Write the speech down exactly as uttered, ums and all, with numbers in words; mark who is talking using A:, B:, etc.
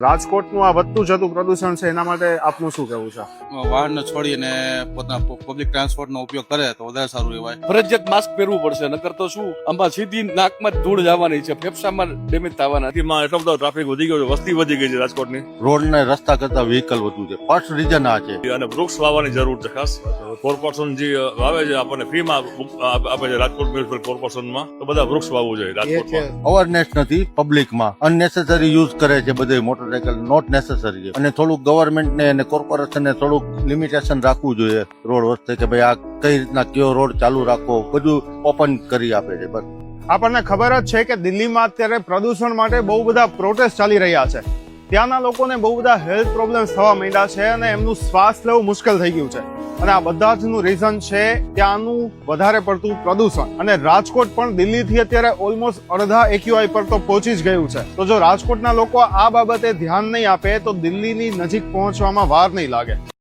A: રાજકોટનું આ વધતું જતું પ્રદૂષણ છે એના માટે આપનું શું કહેવું છે?
B: વાહન છોડીને પોતાના પબ્લિક ટ્રાન્સપોર્ટ નો ઉપયોગ કરે તો વધારે સારું રહેવાય.
C: ફરજિયાત માસ્ક પહેરવું પડશે, નકર તો શું આમાં સીધી નાકમાં જ ધૂળ જવાની છે, ફેફસામાં ડેમેજ થવાના.
D: સિટીમાં એટલો બધો ટ્રાફિક વધી ગયો છે, વસ્તી વધી ગઈ છે રાજકોટની,
E: રોડ ને રસ્તા કરતા વ્હીકલ વધુ છે. ફર્સ્ટ રીઝન આ છે.
D: અને વૃક્ષ વાવવાની જરૂર છે. ખાસ કોર્પોરેશન જે વાવે છે આપણને ફ્રીમાં આપે છે રાજકોટ મ્યુનિસિપલ કોર્પોરેશનમાં, તો બધા વૃક્ષ વાવવું જોઈએ રાજકોટમાં.
E: અવેરનેસ નથી પબ્લિકમાં, અનનેસેસરી યુઝ કરે છે બધે મોટરસાયકલ, નોટ નેસેસરી છે. અને થોડુંક ગવર્મેન્ટ ને અને કોર્પોરેશન ને થોડુંક લિમિટેશન રાખવું જોઈએ રોડ વસ્તે, કે ભાઈ આ કઈ રીતના કયો રોડ ચાલુ રાખવો, બધું ઓપન કરી આપે છે. બસ
A: આપણને ખબર જ છે કે દિલ્હીમાં અત્યારે પ્રદૂષણ માટે બહુ બધા પ્રોટેસ્ટ ચાલી રહ્યા છે. ત્યાંના લોકોને બહુ બધા હેલ્થ પ્રોબ્લેમ્સ થવા માંડ્યા છે અને એમનું શ્વાસ લેવું મુશ્કેલ થઈ ગયું છે. અને આ બધા જ નું રીઝન છે ત્યાંનું વધારે પડતું પ્રદૂષણ. અને રાજકોટ પણ દિલ્હીથી અત્યારે ઓલમોસ્ટ અડધા એક્યુઆઈ પર તો પહોંચી જ ગયું છે. તો જો રાજકોટના લોકો આ બાબતે ધ્યાન નહીં આપે તો દિલ્હીની નજીક પહોંચવામાં વાર નહીં લાગે.